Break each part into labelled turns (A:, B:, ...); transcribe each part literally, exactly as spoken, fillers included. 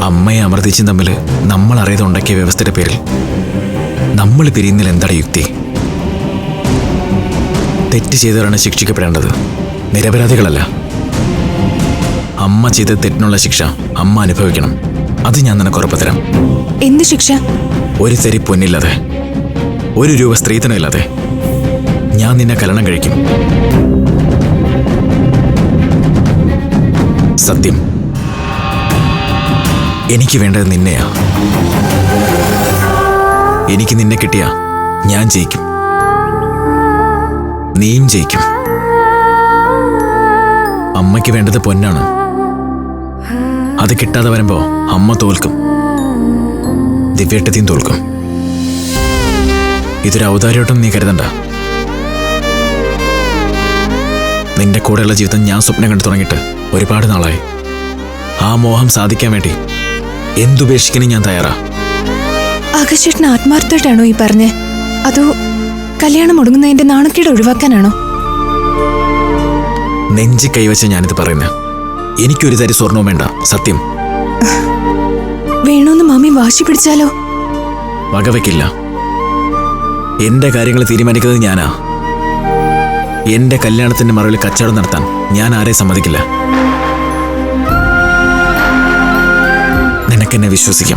A: അമ്മയെ അമർത്തിച്ചും തമ്മിൽ നമ്മൾ അറിയാതെ ഉണ്ടാക്കിയ വ്യവസ്ഥയുടെ പേരിൽ നമ്മൾ പിരിയുന്നതിൽ എന്താണ് യുക്തി? തെറ്റ് ചെയ്തവരാണ് ശിക്ഷിക്കപ്പെടേണ്ടത്, നിരപരാധികളല്ല. അമ്മ ചെയ്ത തെറ്റിനുള്ള ശിക്ഷ അമ്മ അനുഭവിക്കണം. അത് ഞാൻ നിനക്ക് ഉറപ്പ് തരാം.
B: എന്ത് ശിക്ഷ?
A: ഒരു തരി പൊന്നില്ലാതെ, ഒരു രൂപ സ്ത്രീധനമില്ലാതെ ഞാൻ നിന്നെ കല്യാണം കഴിക്കും. സത്യം. എനിക്ക് വേണ്ടത് നിന്നെയാ. എനിക്ക് നിന്നെ കിട്ടിയ ഞാൻ ജയിക്കും, നീയും ജയിക്കും. അമ്മയ്ക്ക് വേണ്ടത് പൊന്നാണ്. അത് കിട്ടാതെ വരുമ്പോ അമ്മ തോൽക്കും, ദിവ്യേട്ടത്തിയും തോൽക്കും. ഇതൊരു ഔദാര്യോട്ടം നീ കരുതണ്ട. നിന്റെ കൂടെയുള്ള ജീവിതം ഞാൻ സ്വപ്നം കണ്ടു തുടങ്ങിയിട്ട് ഒരുപാട് നാളായി. ആ മോഹം സാധിക്കാൻ വേണ്ടി എന്തുപേക്ഷിക്കാനും ഞാൻ തയ്യാറാ.
B: ആകാശേട്ടന് ആത്മാർത്ഥമായിട്ടാണോ ഈ പറഞ്ഞേ, അതോ കല്യാണം മുടങ്ങുന്നതിന്റെ നാണക്കേട് ഒഴിവാക്കാനാണോ?
A: നെഞ്ചി കൈവച്ച ഞാനിത് പറയുന്നത്. എനിക്കൊരു തരി സ്വർണവും വേണ്ട, സത്യം.
B: വേണോന്ന് മാമി വാശി പിടിച്ചാലോ?
A: വകവയ്ക്കില്ല. എന്റെ കാര്യങ്ങൾ തീരുമാനിക്കുന്നത് ഞാനാ. എന്റെ കല്യാണത്തിന്റെ മറവിൽ കച്ചവടം നടത്താൻ ഞാൻ ആരെ സമ്മതിക്കില്ല. നിനക്കെന്നെ വിശ്വസിക്കാം.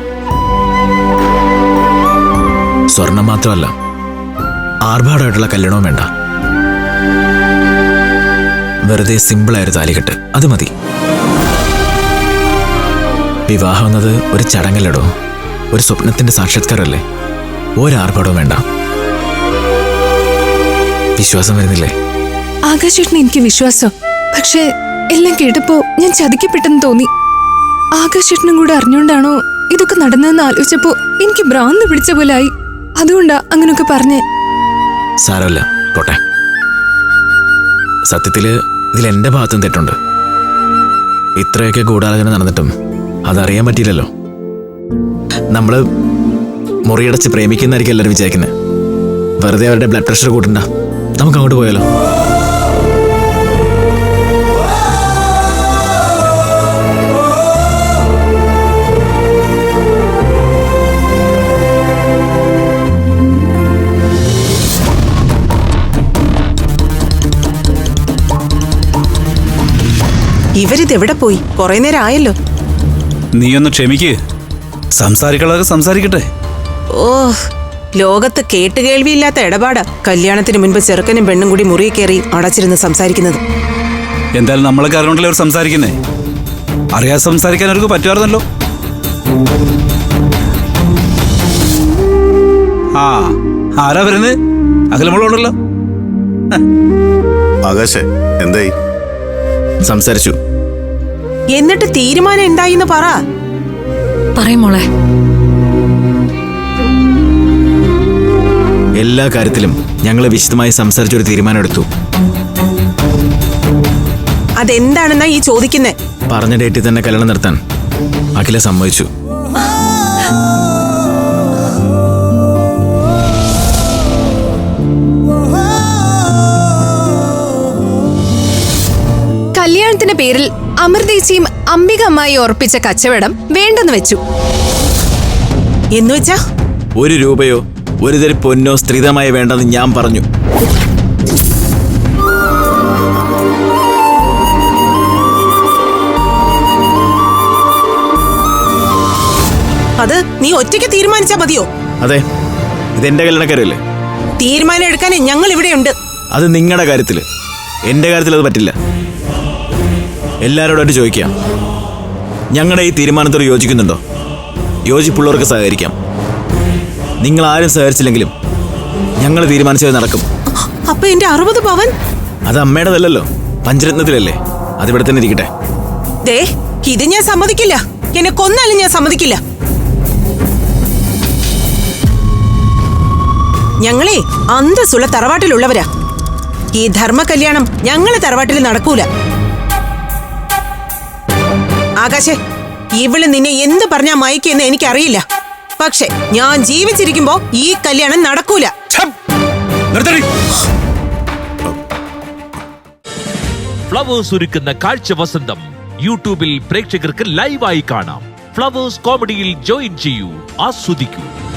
A: സ്വർണം മാത്രമല്ല, ആർഭാടമായിട്ടുള്ള കല്യാണവും വേണ്ട. വെറുതെ സിമ്പിളായൊരു താലികെട്ട്, അത് മതി. വിവാഹം എന്നത് ഒരു ചടങ്ങല്ലടോ, ഒരു സ്വപ്നത്തിന്റെ സാക്ഷാത്കാരമല്ലേ. ഒരാർഭാടവും വേണ്ട. വിശ്വാസം വരുന്നില്ലേ?
B: ആകാശേട്ടന് എനിക്ക് വിശ്വാസം. പക്ഷേ എല്ലാം കേട്ടപ്പോ ഞാൻ ചതിക്കപ്പെട്ടെന്ന് തോന്നി. ആകാശേട്ടനും കൂടെ അറിഞ്ഞുകൊണ്ടാണോ ഇതൊക്കെ നടന്നതെന്ന് ആലോചിച്ചപ്പോ എനിക്ക് ഭ്രാന്ത് പിടിച്ച പോലെ ആയി. അതുകൊണ്ടാ അങ്ങനൊക്കെ പറഞ്ഞേ.
A: സാരമല്ല, പോട്ടെ. സത്യത്തില് ഇതിൽ എന്റെ ഭാഗത്തും തെറ്റുണ്ട്. ഇത്രയൊക്കെ ഗൂഢാലോചന നടന്നിട്ടും അതറിയാൻ പറ്റിയില്ലല്ലോ. നമ്മള് മുറിയടച്ച് പ്രേമിക്കുന്നതായിരിക്കും എല്ലാവരും വിചാരിക്കുന്നത്. വെറുതെ അവരുടെ ബ്ലഡ് പ്രഷർ കൂട്ടണ്ട. നമുക്ക് അങ്ങോട്ട് പോയാലോ?
C: ഇവരിതെവിടെ പോയി? കുറെ നേരം ആയല്ലോ.
D: നീ ഒന്ന് ക്ഷമിക്ക്, സംസാരിക്കളൊക്കെ സംസാരിക്കട്ടെ.
C: ഓ, ലോകത്ത് കേട്ടുകേൾവിയില്ലാത്ത ഇടപാടാ കല്യാണത്തിന് മുൻപ് ചെറുക്കനും പെണ്ണും കൂടി മുറിയിൽ കയറി അടച്ചിരുന്ന് സംസാരിക്കുന്നത്.
D: എന്തായാലും നമ്മളൊക്കെ അറിഞ്ഞോണ്ടല്ലേ അവർ സംസാരിക്കുന്നേ. അറിയാതെ സംസാരിക്കാൻ അവർക്ക് പറ്റുമായിരുന്നല്ലോ. ആ, ആരാ വരുന്നത്? അഖിലമുള്ളോണ്ടല്ലോ.
E: ആകാശേ, എന്തായി?
A: സംസാരിച്ചു.
C: എന്നിട്ട് തീരുമാനം എന്തായിന്ന് പറ.
B: പറയും മോളെ.
A: എല്ലാ കാര്യത്തിലും ഞങ്ങൾ വിശദമായി സംസാരിച്ചൊരു തീരുമാനമെടുത്തു.
C: അതെന്താണെന്നാ ഈ ചോദിക്കുന്നേ?
A: പറഞ്ഞ ഡേറ്റിൽ തന്നെ കല്യാണം നടത്താൻ അഖില സമ്മതിച്ചു.
B: കല്യാണത്തിന്റെ പേരിൽ അമൃതേച്ചിയും അംബിക അമ്മായി ഉറപ്പിച്ച കച്ചവടം വേണ്ടെന്ന് വെച്ചു.
C: എന്നുവെച്ചാ
A: ഒരു രൂപയോ ഒരു തരി പൊന്നോ സ്ത്രീധനമായി വേണ്ടെന്ന് ഞാൻ പറഞ്ഞു.
C: അത് നീ ഒറ്റയ്ക്ക് തീരുമാനിച്ചാ മതിയോ?
A: അതെ, ഇതെന്റെ കല്യാണക്കാരല്ലേ.
C: തീരുമാനം എടുക്കാൻ ഞങ്ങൾ ഇവിടെയുണ്ട്.
A: അത് നിങ്ങളുടെ കാര്യത്തില്, എന്റെ കാര്യത്തിൽ അത് പറ്റില്ല. എല്ലാവരോടായിട്ട് ചോദിക്കാം, ഞങ്ങളുടെ ഈ തീരുമാനത്തോട് യോജിക്കുന്നുണ്ടോ? യോജിപ്പുള്ളവർക്ക് സഹകരിക്കാം. നിങ്ങൾ ആരും സഹകരിച്ചില്ലെങ്കിലും ഞങ്ങൾ തീരുമാനിച്ചത് നടക്കും.
C: അപ്പൊ എന്റെ അറുപത് പവൻ?
A: അത് അമ്മയുടേതല്ലോ, പഞ്ചരത്നത്തിലല്ലേ. അതിവിടെ തന്നെ ഇരിക്കട്ടെ.
C: ദേ, ഇത് ഞാൻ സമ്മതിക്കില്ല. എന്നെ കൊന്നാലും ഞാൻ സമ്മതിക്കില്ല. ഞങ്ങളെ അന്തസ്സുള്ള തറവാട്ടിലുള്ളവരാ. ഈ ധർമ്മ കല്യാണം ഞങ്ങളെ തറവാട്ടിൽ നടക്കൂല. ആകാശേ, ഇവള് നിന്നെ എന്ത് പറഞ്ഞാ മയക്കെന്ന് എനിക്കറിയില്ല. പക്ഷെ ഞാൻ ജീവിച്ചിരിക്കുമ്പോ ഈ കല്യാണം നടക്കൂല.
F: ഫ്ലവേഴ്സ് ഒരുക്കുന്ന കാഴ്ച വസന്തം യൂട്യൂബിൽ പ്രേക്ഷകർക്ക് ലൈവായി കാണാം.
E: ഫ്ലവേഴ്സ് കോമഡിയിൽ ജോയിൻ ചെയ്യൂ, ആസ്വദിക്കൂ.